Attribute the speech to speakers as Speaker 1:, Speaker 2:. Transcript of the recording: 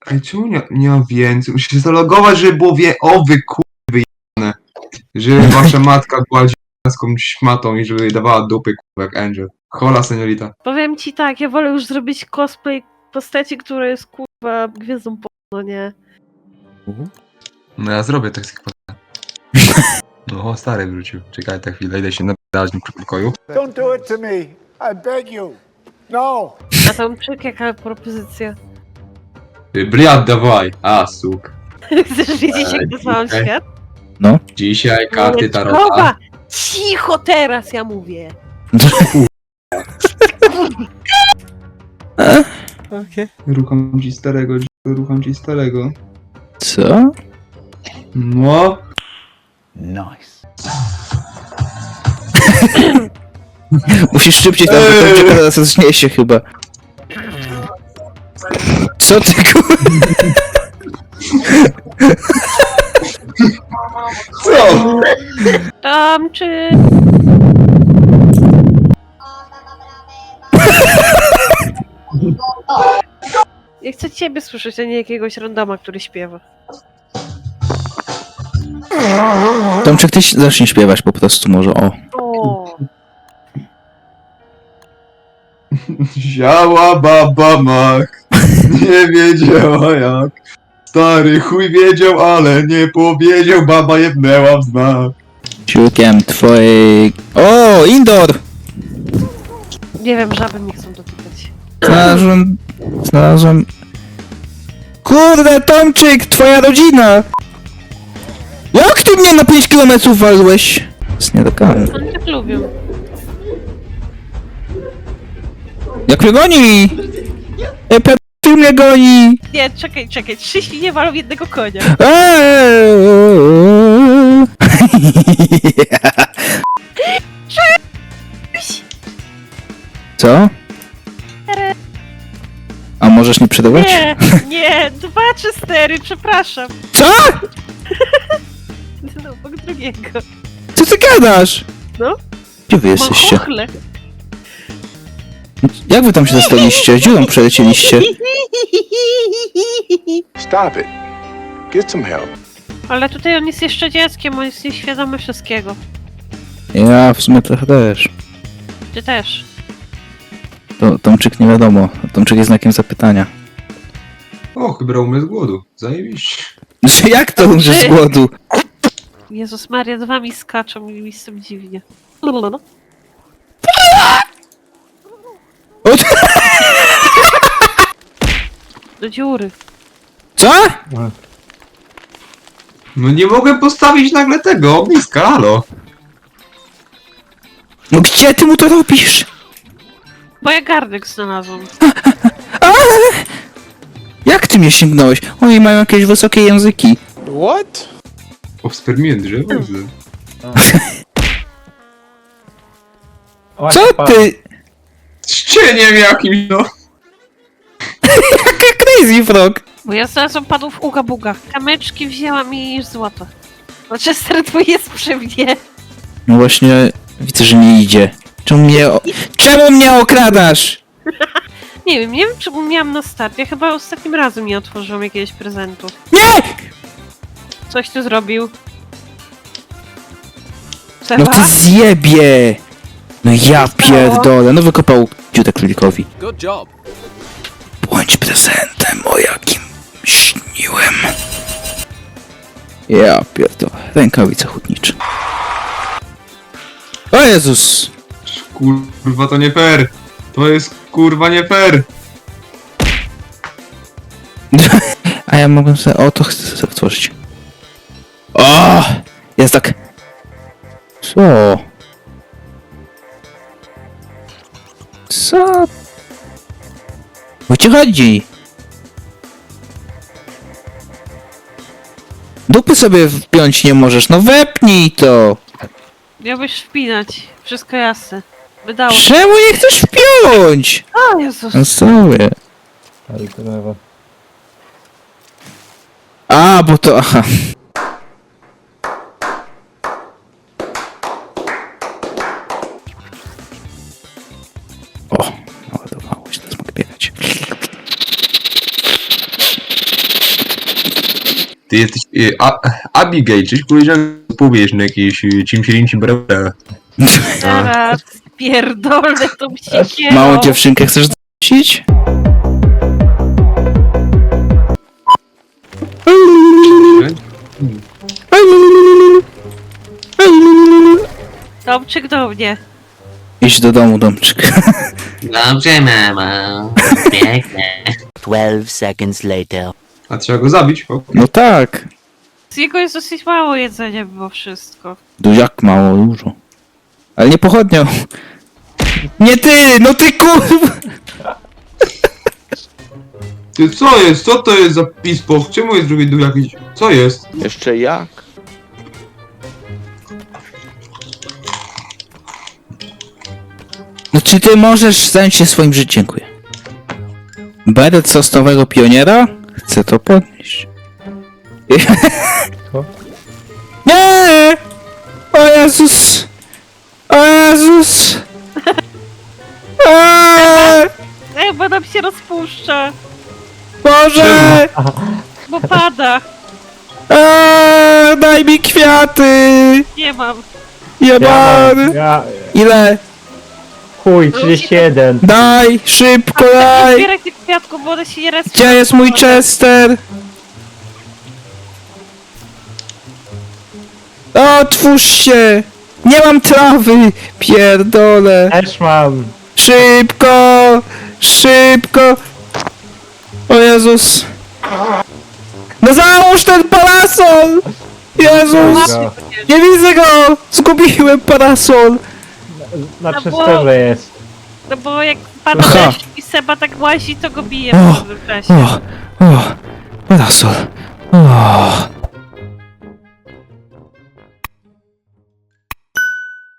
Speaker 1: Ej, czemu nie ma więcej? Muszę się zalogować, żeby było O, wy kurwy jane. Żeby wasza matka była dziecką szmatą i żeby dawała dupy kurwa jak Angel. Hola, seniorita.
Speaker 2: Powiem ci tak, ja wolę już zrobić cosplay postaci, która jest kurwa gwiazdą porno, nie?
Speaker 1: No ja zrobię tak jak No, stary wrócił. Czekaj tak chwilę, idę się napisać w pokoju.
Speaker 3: Don't do it to me. I beg you. No.
Speaker 2: A tam czyk, jaka propozycja?
Speaker 1: Bliad, dawaj. A, suk.
Speaker 2: Chcesz wiedzieć, jak nazwałam
Speaker 1: Okej.
Speaker 2: świat?
Speaker 1: Dzisiaj karty tarota.
Speaker 2: Chowa! Cicho teraz, ja mówię!
Speaker 4: Okej.
Speaker 1: Rucham ci starego.
Speaker 4: Co?
Speaker 1: No.
Speaker 3: Nice.
Speaker 4: Musisz szybciej tam, bo tam czeka teraz zniesie chyba. Co ty
Speaker 1: Co?
Speaker 2: Tam czy... Ja chcę ciebie słyszeć, a nie jakiegoś randoma, który śpiewa.
Speaker 4: Tomczyk, ty zacznij śpiewać po prostu może, o.
Speaker 2: O,
Speaker 1: Ziała baba mak. Nie wiedziała jak. Stary chuj wiedział, ale nie powiedział. Baba jebnęła w znak.
Speaker 4: Ciukiem twojej... O, indoor!
Speaker 2: nie wiem, żaby mnie chcą dotykać.
Speaker 4: Znalazłem... Kurde, Tomczyk, twoja rodzina! Jak ty mnie na 5 km walłeś? Jest nie do końca.
Speaker 2: Oni tak lubią.
Speaker 4: Jak mnie goni! Pedofil mnie goni!
Speaker 2: Nie, czekaj, 3 świnie walą w jednego konia.
Speaker 4: Co? A możesz nie przedawać?
Speaker 2: Nie, 2 czy 4, przepraszam.
Speaker 4: Co?
Speaker 2: No, obok drugiego.
Speaker 4: Co ty gadasz?
Speaker 2: No.
Speaker 4: Gdzie wy
Speaker 2: Mam
Speaker 4: jesteście?
Speaker 2: chochle.
Speaker 4: Jak wy tam się dostaliście? Dziurą przelecieliście?
Speaker 3: Stop it. Get some help.
Speaker 2: Ale tutaj on jest jeszcze dzieckiem, on jest nieświadomy wszystkiego.
Speaker 4: Ja w sumie trochę też.
Speaker 2: Ty też.
Speaker 4: To Tomczyk nie wiadomo. Tomczyk jest znakiem zapytania.
Speaker 1: O, chyba umrę z głodu. Zajebiście.
Speaker 4: Że jak to umrzesz z głodu?
Speaker 2: Jezus Maria, 2 mi skaczą i mi jest tym dziwnie.
Speaker 4: O,
Speaker 2: Do dziury.
Speaker 4: co?
Speaker 1: No nie mogłem postawić nagle tego ogniska, halo.
Speaker 4: No gdzie ty mu to robisz?
Speaker 2: Bo ja garnek znalazłam.
Speaker 4: A! Jak ty mnie sięgnąłeś? Oni mają jakieś wysokie języki.
Speaker 3: What?
Speaker 1: Obspermiłem drzewo.
Speaker 4: Co ty?
Speaker 1: Z cieniem jakimś, no.
Speaker 4: Jaka crazy frog?
Speaker 2: Bo ja znalazłam padł w uga buga. Kamyczki wzięłam i złoto. Chester twój jest przy mnie.
Speaker 4: No właśnie, widzę, że nie idzie. Czemu mnie okradasz?
Speaker 2: Nie wiem czy miałam na start. Ja chyba ostatnim razem nie otworzyłam jakiegoś prezentu.
Speaker 4: Nie!
Speaker 2: Coś tu zrobił.
Speaker 4: No
Speaker 2: Seba?
Speaker 4: ty zjebie! No ja pierdolę, no wykopał dziutę królikowi.
Speaker 5: Good job.
Speaker 4: Bądź prezentem, o jakim śniłem. Ja pierdolę, rękawice hutnicze. O Jezus!
Speaker 1: Kurwa, to nie fair. To jest kurwa nie fair.
Speaker 4: A ja mogę sobie... O, to chcę sobie otworzyć. O! Jest tak... Co? Co? O ci chodzi? Dupy sobie wpiąć nie możesz, no wepnij to!
Speaker 2: Miałbyś wpinać. Wszystko jasne. Wydało się.
Speaker 4: Czemu nie chcesz wpiąć?
Speaker 2: O Jezus.
Speaker 4: No sobie. A, bo to... Aha. O, naładowało się, teraz mogę biegać.
Speaker 1: Ty jesteś Abigail, czyś powiedziałem, powiesz na jakieś cimsirinci brałe.
Speaker 2: Zaraz, pierdolę tą siekierą.
Speaker 4: Małą dziewczynkę chcesz znosić?
Speaker 2: Tomczyk do mnie.
Speaker 4: Idź do domu, Domczyk.
Speaker 5: Dobrze, mama. Pięknie. 12 seconds later.
Speaker 1: A trzeba go zabić? O.
Speaker 4: No tak.
Speaker 2: Z jego jest dosyć mało jedzenia mimo wszystko.
Speaker 4: Jak mało, dużo. Ale nie pochodnią. Nie ty! No ty kurwa!
Speaker 1: Ty co jest? Co to jest za pispo? Czemu jest drugi dół jakiś? Co jest?
Speaker 6: Jeszcze jak?
Speaker 4: No czy ty możesz zająć się swoim życiem? Dziękuję. Beret sosnowego pioniera? Chcę to podnieść. Nie! O Jezus! O Jezus! Eee!
Speaker 2: Bo nam się rozpuszcza,
Speaker 4: Boże!
Speaker 2: bo pada.
Speaker 4: Daj mi kwiaty!
Speaker 2: Nie mam.
Speaker 4: Jebany! Ile?
Speaker 7: Chuj, 31.
Speaker 4: Daj! Szybko
Speaker 2: Nie
Speaker 4: daj!
Speaker 2: zbieraj tych kwiatków, bo one się nie respią.
Speaker 4: Gdzie jest mój Chester? Otwórz się! Nie mam trawy! Pierdolę!
Speaker 7: Też mam.
Speaker 4: Szybko! Szybko! O Jezus! No załóż ten parasol! Jezus!
Speaker 7: Go.
Speaker 4: Nie widzę go! Zgubiłem parasol!
Speaker 7: Na
Speaker 2: No bo-
Speaker 7: przystępie jest.
Speaker 2: No bo jak pada
Speaker 4: Aha.
Speaker 2: deszcz i Seba tak łazi, to go bije
Speaker 4: O,
Speaker 2: w pewnym czasie.
Speaker 4: O! O! Parasol! O!